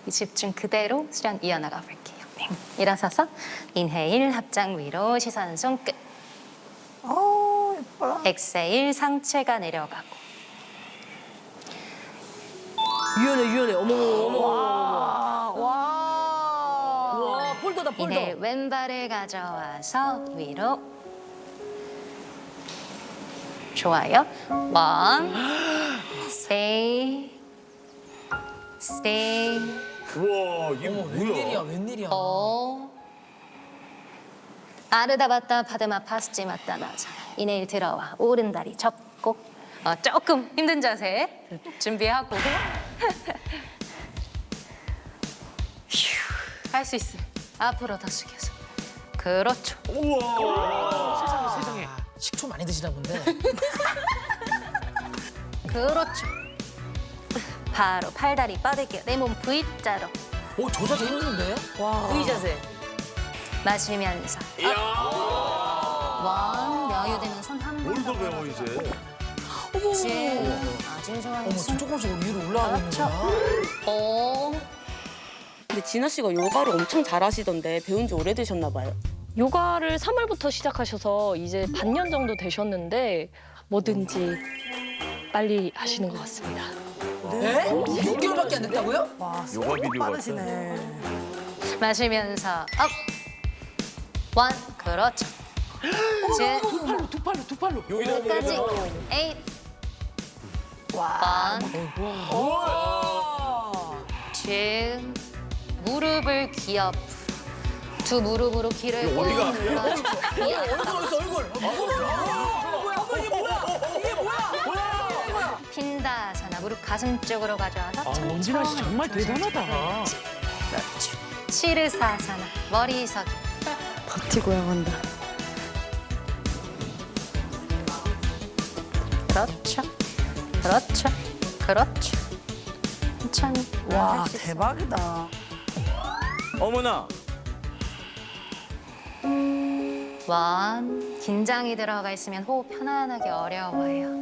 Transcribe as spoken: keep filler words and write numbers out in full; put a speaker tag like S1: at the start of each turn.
S1: 이 집중 그대로 수련 이어나가 볼게요. 네. 일어서서 인헤일 합장 위로 시선 손끝.
S2: 어, 예뻐라.
S1: 엑세일 상체가 내려가고.
S3: 유연해 유연해. 어머 어머.
S2: 와, 와.
S3: 와 폴더다 폴더.
S1: 인헤일 왼발을 가져와서 위로. 좋아요. 원, stay, stay,
S4: 우와, 이게
S3: 웬일이야
S4: 뭐야?
S3: 웬일이야.
S1: 오. 아르다바타 파드마 파스지 마타나자. 인헤일 들어와. 오른다리 접고. 어, 조금 힘든 자세 준비하고. 할 수 있어. 앞으로 더 숙여서. 그렇죠.
S4: 우와.
S3: 세상에 식초 많이 드시나 본데.
S1: 그렇죠. 바로 팔다리 뻗을게요. 내 몸 V자로.
S3: 오 저 자세 힘든데? 와. V 자세.
S1: 마시면서
S4: 이야.
S1: 원, 여유되면 손 한 번
S4: 뭘
S1: 더
S4: 더 배워 이제?
S1: 쭉. 아주 좋아요.
S3: 어머 지금 조금씩 위로 올라가고 있는
S1: 그렇죠.
S3: 거야.
S1: 오.
S5: 근데 진아 씨가 요가를 엄청 잘하시던데 배운 지 오래되셨나 봐요.
S6: 요가를 삼월부터 시작하셔서 이제 반년 정도 되셨는데 뭐든지 빨리 하시는 것 같습니다.
S3: 네? 육 개월밖에 안 됐다고요?
S2: 와,
S4: 요가
S2: 손이
S4: 비디오
S2: 빠르시네.
S1: 마시면서 업. 원, 그렇죠. 쭉.
S3: 두 팔로 두 팔로 두 팔로.
S1: 끝까지. 에잇. 원, 쭉. 무릎을 기업. 두 무릎으로 귀를
S4: 이거
S1: 꾹
S4: 어디가?
S1: 눌러주고.
S3: 얼굴 얼굴.
S1: 핀다사나 무릎 가슴 쪽으로 가져와서 천천히.
S3: 원진아 씨 정말 대단하다.
S1: 그렇죠. 시르사사나 머리석이.
S6: 버티고야 한다.
S1: 그렇죠. 그렇죠. 그렇죠. 천천히.
S2: 와,
S1: 할수 있어요.
S2: 대박이다.
S4: 어머나.
S1: 원. 긴장이 들어가 있으면 호흡 편안하게 어려워요.